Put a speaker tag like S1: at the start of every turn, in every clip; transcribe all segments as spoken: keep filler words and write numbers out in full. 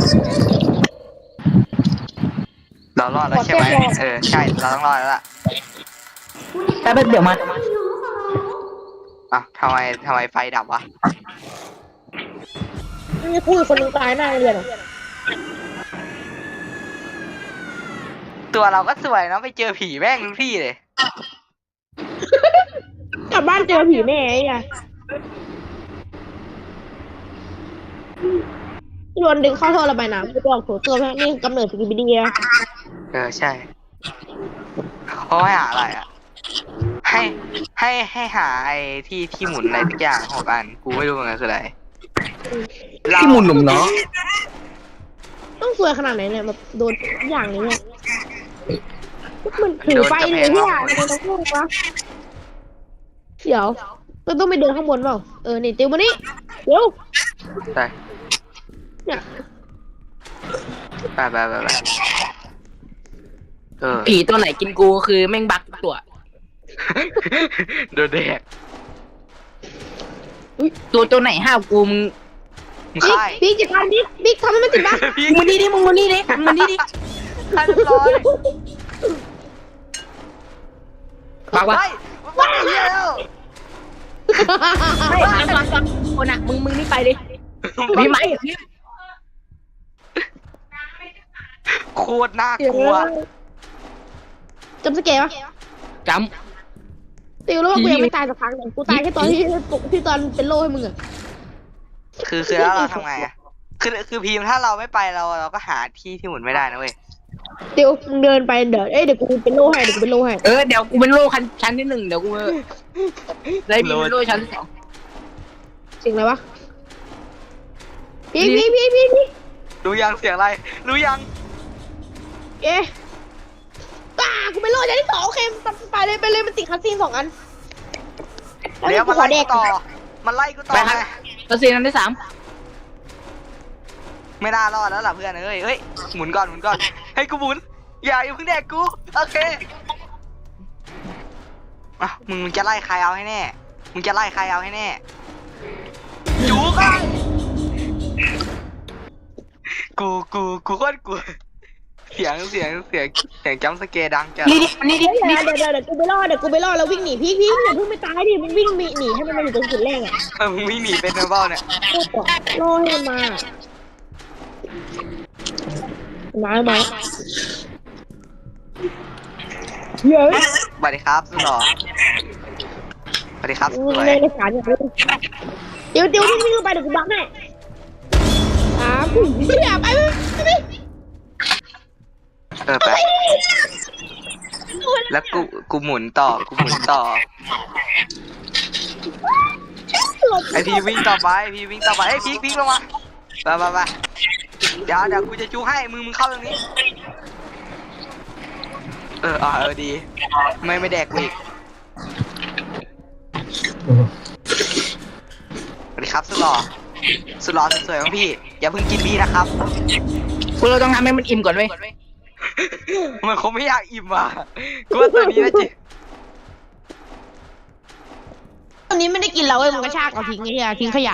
S1: เรารอดแล้วใช่ไหมเออใช่เราต้องรอดแล้วล่ะ
S2: แป๊บเดี๋ยวมา
S1: อ่ะทำไมทำไมไฟดับวะ
S3: นี่คุยคนนึงตายหน้าโรงเรียนอ่ะ
S1: ตัวเราก็สวยเนาะไปเจอผีแม่งทุกที่เลย
S3: กลับบ้านเจอผีแน่ไอ้อะโยนดึงเข้าท่อระบายน้ำไปบอกโถตัวแม่นี่กำเนิดสกิบิดีอะ
S1: เออใช่เขาให้หาอะไรอ่ะ ให้ให้ให้หาไอ้ที่ที่หมุนอะไรทุกอย่างหกอันกูไม่รู้เหมือนกันคืออะไร
S2: ที่หมุนหนุ่มเนาะ
S3: ต้องสวยขนาดไหนเนี่ยแบบโดนอย่างนี้เนี่ยมันถือไฟเลยที่อ่ะมันต้องพูดวะเดี๋ยวก็ต้องไปเดินข้างบนเปล่าเออนี่ติวมานี่เดี๋ยว
S1: ใช่
S3: เนี่ย
S1: ไปไปไปไปเออ
S2: ผีตัวไหนกินกูคือแม่งบักทุกตัว
S1: โดนแดก
S2: ตัวตัวไหนห้าวกูมึง
S1: มึง
S3: บิ๊ก
S1: ค่าย
S3: บิ๊กจะทำบิ๊กบิ๊กทำให้มันติดบ้าง
S1: พี่
S2: มึงนี่ดิมึงมึงนี่ดิมึงนี่ดิ
S1: ค่ายเรียบร้อย
S2: บักวะ
S1: ไปไปเฮียแล้ว
S2: ไม่บักบักบักคนอ่ะมึงมึงนี่ไปดิพี่ไหมพี่
S1: โคตรน่ากลัว
S3: จำสเกลปะ
S2: จ
S3: ติวแล้วว่ากูยังไม่ตายสักครั้งเลยกูตายแค่ตอนที่ปกที่ตอนเป็นโล่ให้มึงอะ
S1: คือคือแล้วเราทำไงอ่ะคือคือพีมถ้าเราไม่ไปเราเราก็หาที่ที่หมุนไม่ได้นะเว้ย
S3: ติวมึงเดินไปเดี๋ยวเอ้ยเดี๋ยวกูเป็นโล่ให้เดี๋ยวกูเป็นโล่ให้
S2: ำเออเดี๋ยวกูเป็นโล่ชั้นชั้นที่หนึ่งเดี๋ยวกูได้มีเป็นโล่ชั้นที่สอง
S3: สิ่งอะไรวะพี่พี่พี่พี่พี่
S1: รู้ยังเสียงอะไร รู้ยัง
S3: เอ๊ะตากูเป็นโล่ชั้นที่สองโอเคไปเลยไปเลยมันติดคัสซีนสองอัน
S1: เดี๋ยว
S3: กู
S1: มัน
S3: ขอ
S1: ไล่
S3: แด
S1: กู
S3: ก
S1: ต่อ มันไล่กูต่อ
S2: ไปครับ
S1: ไง
S2: ตัวซีนั้นที่สาม
S1: ไม่น่ารอดแล้วล่ะเพื่อนเอ้ยเฮ้ยหมุนก่อนหมุนก่อนให้กูหมุนอย่าอย่าเพิ่งแดกกูโอเคอ่ะมึงมึงจะไล่ใครเอาให้แน่มึงจะไล่ใครเอาให้แน่จูกันกูกูกูโคตรกลัวเสียงเสียงเสียงเสียงจัมป์สแกร์ดังจัด
S2: นี่ดินี่ดิ
S3: เดี๋ยว
S2: นี่
S3: เดี๋ยวเดี๋ยวเดี๋ยวกูไปรอดเดี๋ยวกูไปรอดแล้ววิ่งหนีพี่พี่อย่าเพิ่งไปตายดิมึงวิ่งหนีหนีให้มันมาอยู่ตรงจุดแรกอ่ะ
S1: เออมึงไม่หนีเป็นเนอร์เบิลเนี่ย
S3: รอให้มันมามามาเฮ้ย
S1: สวัสดีครับสุดหล่อสวัสดีครับส
S3: มึง
S1: วย
S3: ในสารอย่างนี้เดี๋ยวเดี๋ยววิ่งไปเดี๋ยวกูบักแน่สามไม่อยากไปไม่ไม่
S1: เออไปแล้วกูกูหมุนต่อกูหมุนต่อ
S3: หลบ
S1: ไอพีวิ่งต่อไปไอพีวิ่งต่อไปไอพีพีลงมาไปไปไปเดี๋ยวเดี๋ยวกูจะจูให้มึงมึงเข้าตรงนี้เอออ่ะเออดีไม่ไม่แดกกูอีกสวัสดีครับสุดหล่อสุดหล่อสุดสวยของพี่อย่าเพิ่งกินพี่นะครับ
S2: กูเราต้องทำให้มันอิ่มก่อนเว้ย
S1: มันคงไม่อยากอิ่มอ่ะกูว่าตัวนี้นะจิ
S3: ตอนนี้ไม่ได้กินแล้วเว้ยมันกระชากเอาทิ้งไอ้เหี้ยทิ้งขยะ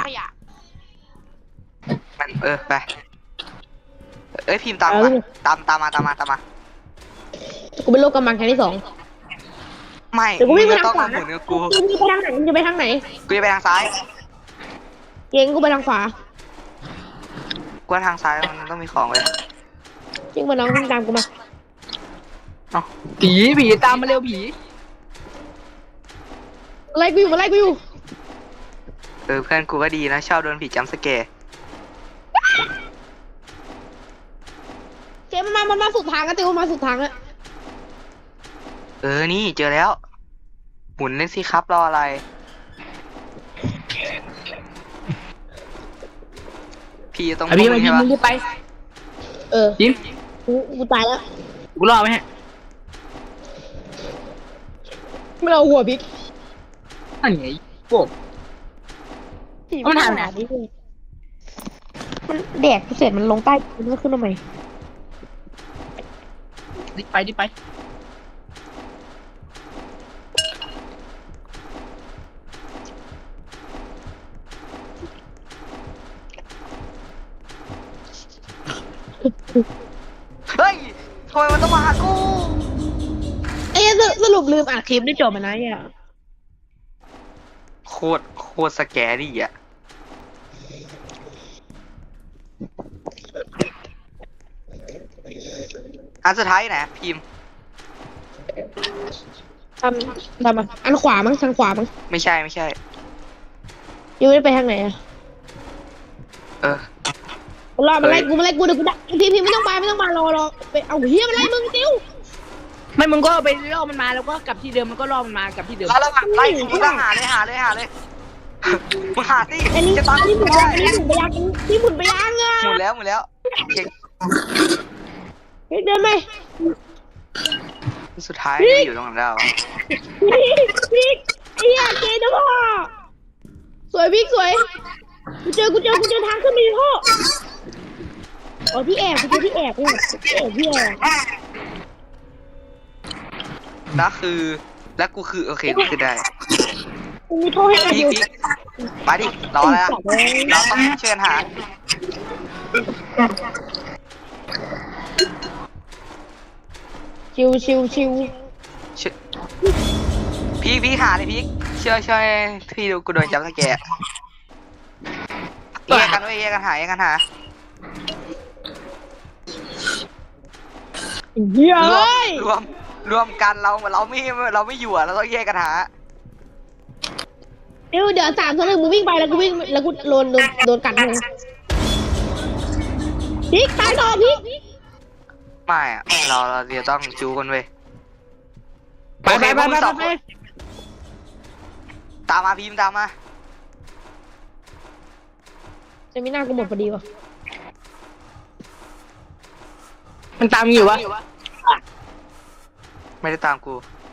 S1: มันเออไปเอ้ยพิมพ์ตามมาตามตามมาตามมาตามมา
S3: กูเป็นโรคกำลังชั้นที่สอง
S1: ไม่
S3: เดี๋ยวกู
S1: มึ
S3: วิ่
S1: ง
S3: งไป
S1: จะ
S3: ทาง
S1: ต้อง
S3: ขวา
S1: มาหมุนกับกู
S3: มึงจะไปทางไหนมึงจะไปทางไหน
S1: กูจะไปทางซ้าย
S3: เก่งกูไปทางขวา
S1: กูว่าทางซ้ายมันต้องมีของเลย
S3: จริงมาน้องวิ่งตามกูมา
S1: เอ้า
S2: ผีผีตามมาเร็วผี
S3: ไล่กูอยู่มาไล่กูอยู่
S1: เออเพื่อนกูก็ดีนะชอบโดนผีจัมป์สแกร์
S3: เก่งมันมามันมาสุดทางกันติวมาสุดทางอะ
S1: เออนี่เจอแล้ว หมุนเล่นสิครับรออะไร พี่ต้อง
S2: ไอพี่
S1: มึ
S2: ไป
S1: ง
S2: พี่
S1: ใช่ปะ
S2: มึงรีบไป
S3: เออ
S2: ยิ้ม
S3: กูกูตายแล้ว
S2: กูรอไหมฮะ
S3: ไม่เอาหัวพริก
S2: อันไหนพวก มันทำไง
S3: มันแดกเสร็จมันลงใต้มันก็ขึ้นทำไม
S2: รีบไปรีบไป
S1: เฮ้ยทำไมมันต้องมาหากู
S3: ไอ้สสรุปลืมอัดคลิปได้จบมันนะเนี่ย
S1: โคตรโคตรสแกรี่อ่ะอันสุดท้ายไหนพิมพ์
S3: ทำทำอ่ะอันขวามั้งทางขวามั้ง
S1: ไม่ใช่ไม่ใช่
S3: ยูไม่ได้ไปทางไหนอะ
S1: เออ
S3: รอมาไล่กูมาไล่กูเดี๋ยวกูดักพี่พี่ไม่ต้องไปไม่ต้องมารอรอไปเอาเฮียมาไล่มึงติ้ว
S2: ไม่มึงก็ไปล่อมันมาแล้วก็กลับที่เดิมมันก็ล่อมันมากลับที่เดิม
S1: แล้วระหว่างไล่กูก็หาเลยหาเลยหาเลยมึงหาสิ
S3: อันนี้
S1: จะตาม
S3: อันนี้หมุน
S1: ไม่
S3: ไป
S1: ได้
S3: ยังอันนี้หมุนไปยังนี่หมุนไปยังอ่ะ
S1: หมุนแล้วหมุนแล้วเช็ค
S3: เฮ้ยเดินไป
S1: สุดท้ายไม่อยู่ตรงนั้นแล้วอะ
S3: พี่พี่เฮียเจนะพ่อสวยพี่สวยกูเจอกูเจอกูเจอทางขึ้นไปพ่ออ๋อที่แอบกูเจอที่แอบเนี่ยที่แอบที่แอบ
S1: แล้วคือแล้วกูคือโอเคกูคือได้
S3: กูมีโทษให้กัน
S1: พี
S3: อก ยู่
S1: พีกมาดิรอแล้วเราต้องเชิญหา
S3: ชิวชิวชิว
S1: เชิญพีกพีกหาเลยพีกช่วยช่วยพี่ดูกูโดนจับตะแกะแยกกันไว้ยแยกกันหาแยกกันหา
S3: เฮีย
S1: รว
S3: เอ้ย
S1: มรวมรวมกันเราเราไม่เราไม่อยู่อะเราต้องแยกกันหา
S3: เดี๋ยวเดี๋ยวสามสองหนึ่งมึงวิ่งไปแล้วกูวิ่งแล้วกูโดนโดนโดนกัดมึงพีกตายต่อพีก
S1: ไม่อะเราเราจะต้องจูกันเว้ย
S2: ไปไปไป
S1: โอเคพวกมึ
S2: ไป
S1: งสอง
S2: ไป
S1: คนตามมาพิมพ์ตามมา
S3: จะไม่น่ากูหมดพอดีวะ
S2: มันตามมึงอยู่วะ
S1: ไม่ได้ตามกู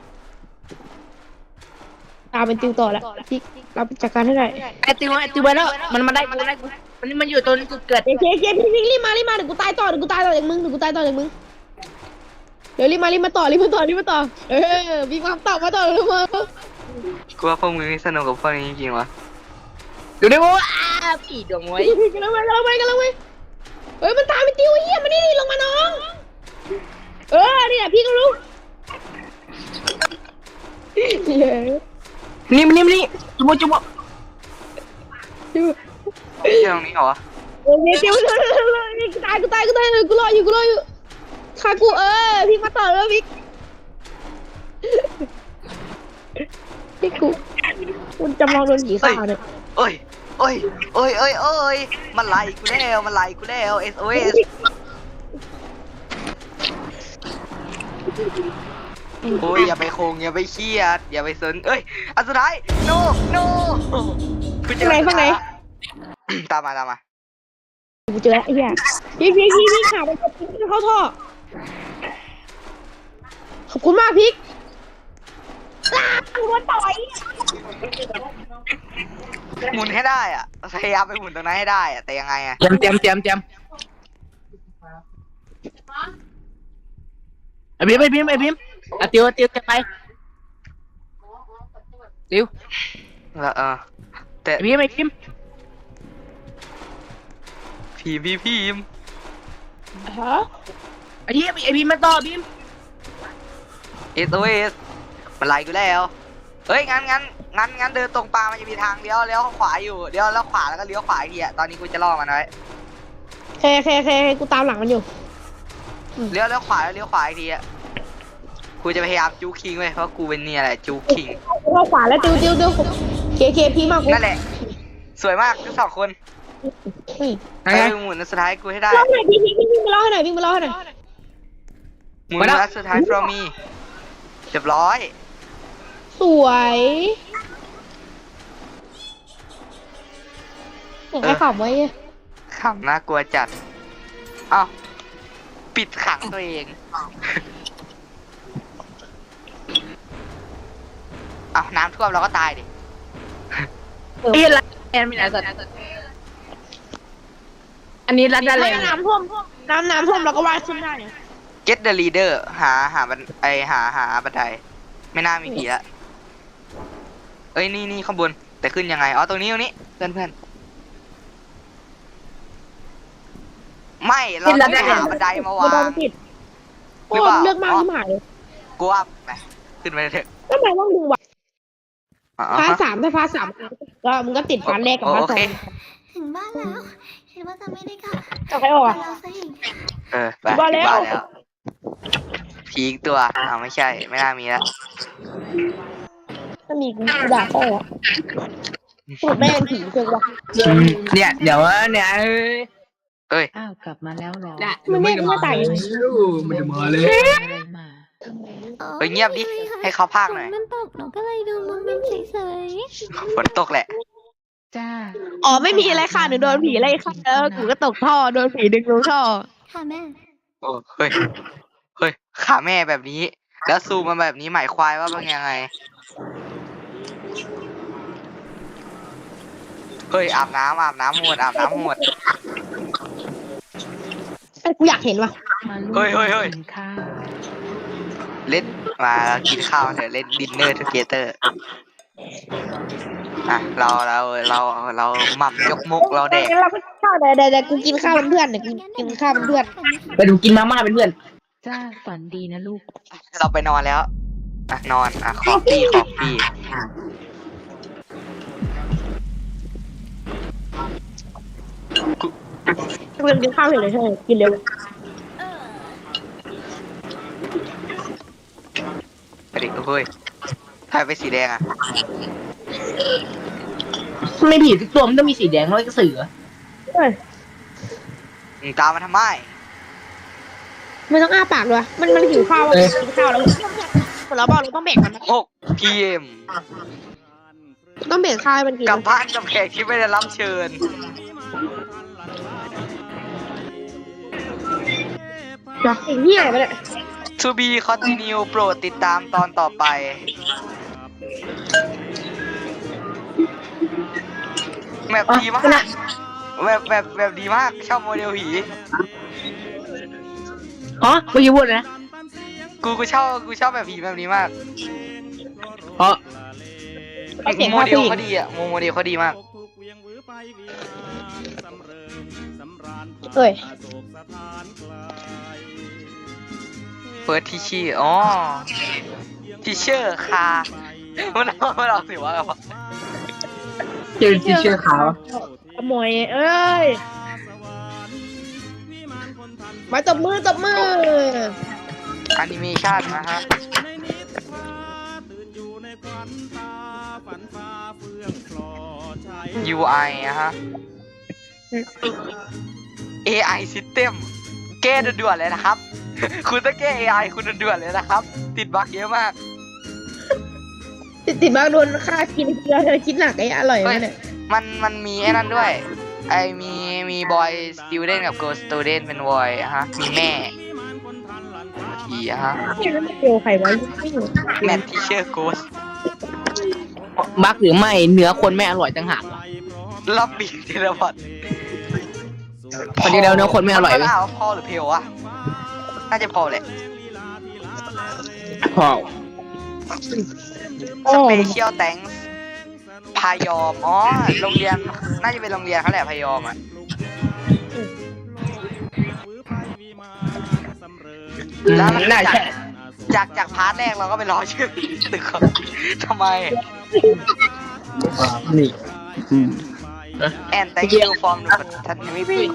S3: ตามเป็นติวต่อแล้วพีกรับจัดการให้ได้
S2: ไอติวไอติวไปแล้วมันมาได้กูได้กูมันนี่มันอยู่ตรงจุดเกิด
S3: เจ๊เจ๊เจ๊พี่พีกรีบมารีบมาเดี๋ยวกูตายต่อเดี๋ยวกูตายต่อจากมึงเดี๋ยวกูตายต่อจากมึงเดี๋ยวรีบมารีบมาต่อรีบมาต่อรีบมาต่อเออพีกมาต่อมาต่อรีบมา
S1: กูว่าพวกมึงนี่สนุกกับพวกนี้จริงๆวะ
S2: ดูดิว่าอ้าผีดวงไว้
S3: กันแล้วไปกันแล้วไปกันแล้วไปเฮ้ยมันตามไปติวไอ้เหี้ยมันนี่ลงมาน้องเออนี่แหละพี่ก็รู้เย้
S2: นี่มันนี่มันนี่จุ๊บจุ๊บ
S3: ติว
S1: เที่ตรงนี้เหรอวะ
S3: เออติวเลยเลยกูตายกูตายกูตายเลยกูรออยู่กูรออยู่ฆ่ากูเออพี่มาต่อแล้วพี่พี่กูคุณจำลองโดนผีฆ่าเนี่ย
S1: เอ้ยเอ้ยเอ้ยเอ้ยเอ้ยมันไล่กูแล้วมันไล่กูแล้ว เอส โอ เอส โอ้ยอย่าไปโคงอย่าไปเครียดอย่าไปสนเอ้ยอันสุดท้าย no no กูเจอ
S3: ไหนฝั่งไหน
S1: ตามมาตามมา
S3: กูเจอแล้วไอ้เหี้ยพี่พี่พี่พี่ขาไปกดพี่เข้าท่อขอบคุณมากพี่ลากูโดนต่อย
S1: หมุนให้ได้อ่ะพยายามไปหมุนตรงนั้นให้ได้อ่ะแต่ยังไงอ่ะ
S2: เตรียมเตรียมเตรียมเตรียมไอพิมไอพิมไอพิมไอติวติวจะไปติว
S1: แล้วเออแต่
S2: ไอพิมไอพิม
S1: พีมพี่พีม
S3: ฮะ
S2: ไอพิมไอพิมมาต่อพิม
S1: เอส โอ เอส มันไล่กูแล้วเฮ้ยงั้นงั้นงั้นงั้นเดินตรงปลามันจะมีทางเลี้ยวเลี้ยวขวาอยู่เลี้ยวแล้วขวาแล้วก็เลี้ยวขวาอีกทีอ่ะตอนนี้กูจะล่อมันไว้
S3: เคเคเคกูตามหลังมันอยู่
S1: เลี้ยวเลี้ยวขวาแล้วเลี้ยวขวาอีกทีอ่ะกูจะพยายามจูคิงไว้เพราะกูเป็นเนี่ยแหละจูคิง
S3: เข้าขวาแล้วติวติวติวเคเคพี่มากกู
S1: นั่นแหละสวยมากทั้งสองคน
S2: ไง
S1: ไป
S2: ไง
S1: หมุนอันสุดท้ายกูให้ได้
S3: เล่าหน่อยพี่พี่พี่มาเล่าให้หน่อยพี่มาเล่าให้หน่อย
S1: หมุนอันสุดท้าย from me เรียบร้อย
S3: สวยอยากให้ขับไว้
S1: ขำน่ากลัวจัดเอ้าปิดขังตัวเองเอ้าน้ำท่วมเราก็ตายดิ
S2: เอ้ยรัดแอนมีไหนสัตว์อันนี้รัดได้เลย
S3: น้ำท่วมน้ำน้ำท่วมเราก็ว่ายขึ้นได้เนี่ย
S1: get the leader หาหาบันไอหาหาบันไดไม่น่ามีผีละเอ้ยนี่นี่ข้างบนแต่ขึ้นยังไงอ๋อตรงนี้ตรงนี้เพื่อนเพื่อนไม่เราต้องไปหาบันไดมาวา
S3: บัน
S1: ง
S3: ไดติด
S1: ห
S3: โอ้
S1: รือเปล่า
S3: เลือกมากที่หายเลย
S1: กูว่าไปขึ้นไปเถอะ
S3: ทำไมต้องดึงวะ
S1: อ๋อ
S3: พาร์ทสามถ้าพาร์ทสามก็มึงก็ติดพาร์ทแรกกับพาร์ทสอง
S4: ถึงบ้านแล้วคิดว่าจะไม่ได้กลับ
S3: จะใครออก
S4: มา
S3: อะ
S4: แล้วซะอีก
S1: เออไป
S3: บ้าแล้ว
S1: บ้านแล้วผีอีกตัวอ้าวไม่ใช่ไม่น่ามีแล้ว
S3: ถ้ามีกูด่าพ่ออะพูดแม่งผีเกินวะ
S2: เนี่ยเดี๋ยวเนี่ยเอ้ย
S1: เอ้ย
S5: อ้าวกลับมาแล้วเหรอ
S2: เนี่ย
S3: มันไม่ไม่ตายยังไง
S2: มันจะมาเลย
S5: อะไรมา
S1: เฮ้ยเงียบดิให้เขาพากหน่อย
S4: มันตกหนูก็เลยดูมันเป็นเฉย
S1: ฝนตกแหละ
S5: จ้า
S3: อ๋อไม่มีอะไรค่ะหนูโดนผีไล่ค่ะแล้วกูก็ตกท่อโดนผีดึงลงท่อ
S4: ๆค่ะแม่
S1: โอ้เฮ้ยเฮ้ยขาแม่แบบนี้ แล้วซูมมาแบบนี้หมายควายว่าเป็นยังไงเฮ้ยอาบน้ำอาบน้ำหมดอาบน้ำหมด
S3: ไอ้กูอยากเห็นว่ะ
S5: มาลูก
S1: เฮ้ยเฮ้ยเฮ้ย
S5: กินข้าว
S1: เล่นมากินข้าวเถอะเล่นดินเนอร์ทูเกเตอร์อ่ะเราเราเราเราหม่ำยกมกเราแดก
S3: งั้นเราก็กินข้าวเดี๋ยวเดี๋ยวเดี๋ยวกูกินข้าวเป็นเพื่อนเดี๋ยวกูกินข้าวเป็นเพื่อน
S2: ไปดูกินมาม่าเป็นเพื่อน
S5: จ้าฝันดีนะลูก
S1: เราไปนอนแล้วอ่ะนอนอ่ะคอฟฟี่คอฟฟี่
S3: กูยังกินข้าวอยู่เลยใช่ไหมกินเร็ว
S1: ไปดิเฮ้ยถ่ายไปสีแดงอ่ะ
S2: ไม่ผีทุกตัวมันต้องมีสีแดงแล้วก็เสือ
S3: เฮ้ย
S1: มึงตามมาทำไม
S3: ไม่ต้องอ้าปากด้วยมันมันหิวข้าวอะกินข้าวแล้วเราบอกเราต้องแบ่งมันนะ
S1: หกพีเอ็ม
S3: ต้องแบ่งข้าวให้มันกิน
S1: กลับบ้านกับแขกที่ไม่ได้รับเชิญ
S3: จ้ะไอ้เหี้ยไปเลย
S1: To be continue โปรดติดตามตอนต่อไปแบบดีมากแบบแบบแบบดีมากชอบโมเดลผี
S2: อ๋อเมื่อกี้พูดนะ
S1: กูกูชอบกูชอบแบบผีแบบนี้มาก
S2: เพราะ
S3: เอาเสียง
S1: โม
S3: ข้าว
S1: เดล
S3: ผู้หญิง
S1: เขาดีอ่ะโมโมเดลเขาดีมาก
S3: เอ้ย
S1: เฟิร์สทีชีอ๋อทีเชอร์คามันเอามันเอาสิว่าอะไรวะ
S2: เจอที่เชื่อขาว
S3: ขโมยเอ้ยมาตบมือตบมือ
S1: แอนิเมชันนะฮะ ยู ไอ อะฮะ เอ ไอ System แก้ด่วนๆเลยนะครับ คุณต้องแก้ เอ ไอ คุณด่วนๆเลยนะครับ ติดบั๊กเยอะมาก
S3: ติดติดมากโดนค่ากินเกลือเธอคิดหนักไอ้อร่อยไหมเนี่ย
S1: มันมันมีไอ้นั่นด้วย ไอมีมีบอยสติวเดนกับ girl student เป็นบอยอะฮะ มีแม่ทีอะฮะ
S3: เนี่ยแล้วมันเกลียวใครวะไม่รู้
S1: แมททีเชอร์โกส
S2: บักหรือไม่เนื้อคนไม่อร่อยต่างหากวะ
S1: รับบีเทเลพอด
S2: คนที่แล้วเนื้อคนไม่อร่อย
S1: มัน
S2: เว้ย
S1: ถามว่าพอหรือเพลวะ น่าจะพอแหละ
S2: พอ
S3: โอ้
S1: สเปเชียลแตงพายอม อ๋อ โรงเรียน น่าจะเป็นโรงเรียนเขาแหละพายอมอ่ะ แล้วมัน
S2: น่า
S1: จาก
S2: ใช่
S1: จากจากพาร์ทแรกเราก็ไปรอชื่อตึกเขาทำไม
S2: นี่อืม
S1: and thank you from the continuity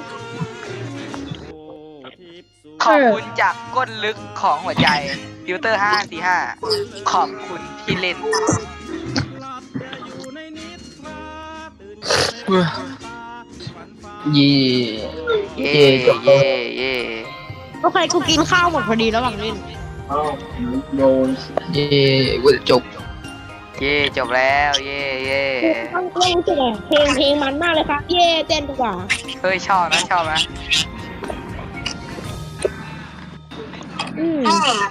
S1: ขอบคุณจากก้นลึกของหัวใจฟิลเตอร์ห้าสี่ห้าขอบคุณที่เล่น
S2: เย่
S1: เย่เย่เย่
S3: โอเคกูกินข้าวหมดพอดีระหว่างเล่น
S2: โดนเย่กูจะจบ
S1: เย่จบแล้ว เย่เย่
S3: ต้องเล่นรู้สึกไงเพลงเพลงมันมากเลยครับเย่เต้นดีกว่า
S1: เฮ้ยชอบนะชอบนะ
S3: อืม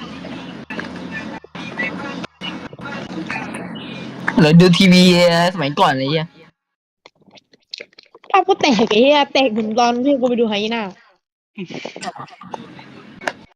S2: เราดูทีวีสมัยก่อนอะไรเงี้ย
S3: ภาพก็แตกไอ้เหี้ยแตกเหมือนตอนที่กูไปดูไฮยีน่า